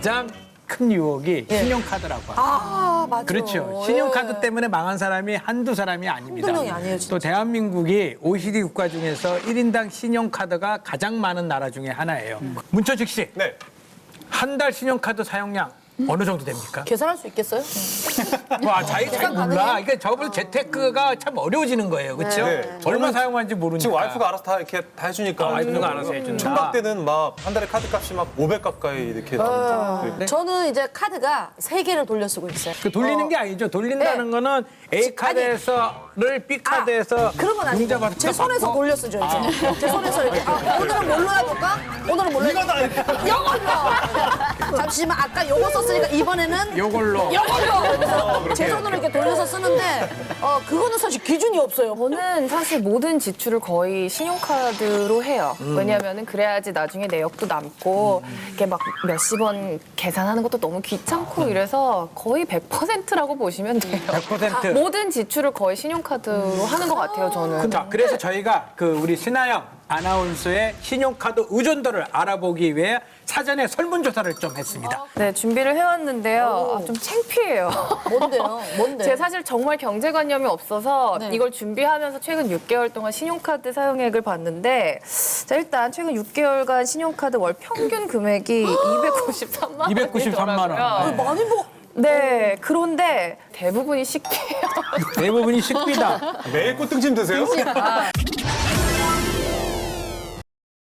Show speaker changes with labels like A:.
A: 가장 큰 유혹이 신용카드라고 합니다.
B: 아, 맞아.
A: 그렇죠. 신용카드 때문에 망한 사람이 한두 사람이 아닙니다.
B: 한두 명이 아니에요, 진짜.
A: 또 대한민국이 OECD 국가 중에서 1인당 신용카드가 가장 많은 나라 중에 하나예요. 문천식 씨,
C: 네.
A: 한 달 신용카드 사용량 어느 정도 됩니까?
B: 계산할 수 있겠어요?
A: 와, 자기 잘
B: 계산
A: 몰라.
B: 가능해요?
A: 그러니까 저번 재테크가 참 어려워지는 거예요. 그렇죠?
C: 네.
A: 얼마 사용하는지 모르니까.
C: 지금 와이프가 알아서 다 이렇게 다 해주니까.
A: 와이프가 알아서 해준다.
C: 총각 때는 막 한 달에 카드 값이 막 500 가까이 이렇게 나오죠. 네.
B: 저는 이제 카드가 3개를 돌려 쓰고 있어요.
A: 그 돌리는 게 아니죠. 돌린다는
B: 네.
A: 거는 A 카드에서를 B 카드에서
B: 그런 건 아니고
A: 문자받고
B: 제 손에서 돌려 쓰죠 이제. 제 손에서 이렇게 오늘은 뭘로 해볼까? 오늘은 뭘로
C: 이거 다 이렇게.
B: 이걸로! 잠시만 아까 요거 썼으니까 이번에는
A: 요걸로.
B: 이걸로! 제 손으로 이렇게 돌려서 쓰는데 그거는 사실 기준이 없어요.
D: 저는 사실 모든 지출을 거의 신용카드로 해요. 왜냐하면 그래야지 나중에 내역도 남고 이렇게 막 몇십 원 계산하는 것도 너무 귀찮고 이래서 거의 100%라고 보시면 돼요.
A: 100%.
D: 모든 지출을 거의 신용카드로 하는 것 같아요, 저는.
A: 자, 그래서 저희가 그 우리 신하영 아나운서의 신용카드 의존도를 알아보기 위해 사전에 설문조사를 좀 했습니다.
D: 네, 준비를 해왔는데요. 좀 창피해요.
B: 뭔데요? 뭔데?
D: 제가 사실 정말 경제관념이 없어서
B: 네.
D: 이걸 준비하면서 최근 6개월 동안 신용카드 사용액을 봤는데 자, 일단 최근 6개월간 신용카드 월 평균 금액이 293만 원.
A: 293만 원.
B: 많이 뭐
D: 네, 그런데 대부분이 식비예요.
A: 대부분이 식비다.
C: 매일 꽃등심 드세요?